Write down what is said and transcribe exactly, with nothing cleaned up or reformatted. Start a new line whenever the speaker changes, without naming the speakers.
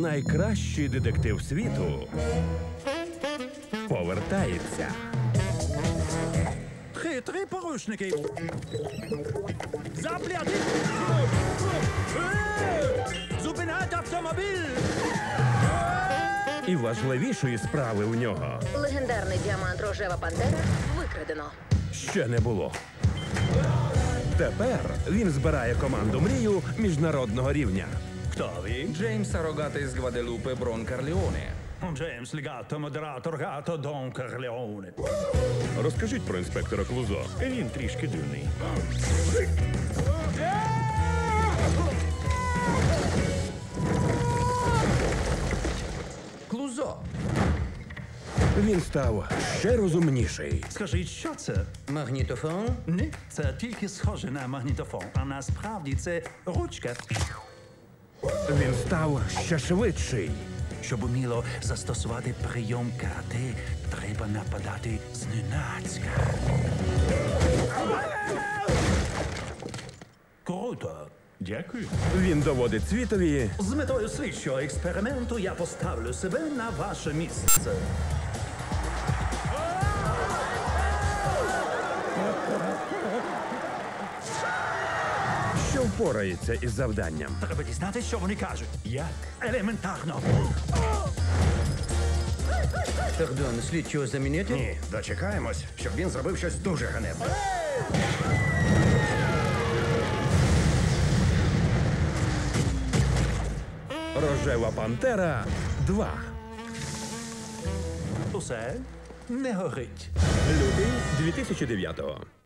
найкращий детектив світу повертається.
Хитрі порушники. Заплятить! Зупинять автомобіль!
І важливішої справи у нього
Легендарний діамант Рожева Пантера викрадено.
ще не було. Тепер він збирає команду мрію міжнародного рівня.
Хто він?
Джеймс Рогатий з Гваделупи Брон Карлеоне.
Джеймс Лігато, модератор Гато, Дон Карлеоне.
Розкажіть про інспектора Клузо. Він трішки дивний.
Клузо.
Він став ще розумніший.
Скажіть, що це?
Магнітофон.
Ні, це тільки схоже на магнітофон, а насправді це ручка.
Він став ще швидший.
Щоб уміло застосувати прийом карате, треба нападати зненацька. Круто.
Дякую. Він доводить світові,
З метою слідчого експерименту я поставлю себе на ваше місце.
що впорається із завданням.
Треба дізнатися, що вони кажуть. Як? Елементарно.
Пардон, слідчого замінити?
Ні, дочекаємось, щоб він зробив щось дуже ганебне.
Рожева Пантера два.
Усе не горить.
Лютий дві тисячі дев'ятого.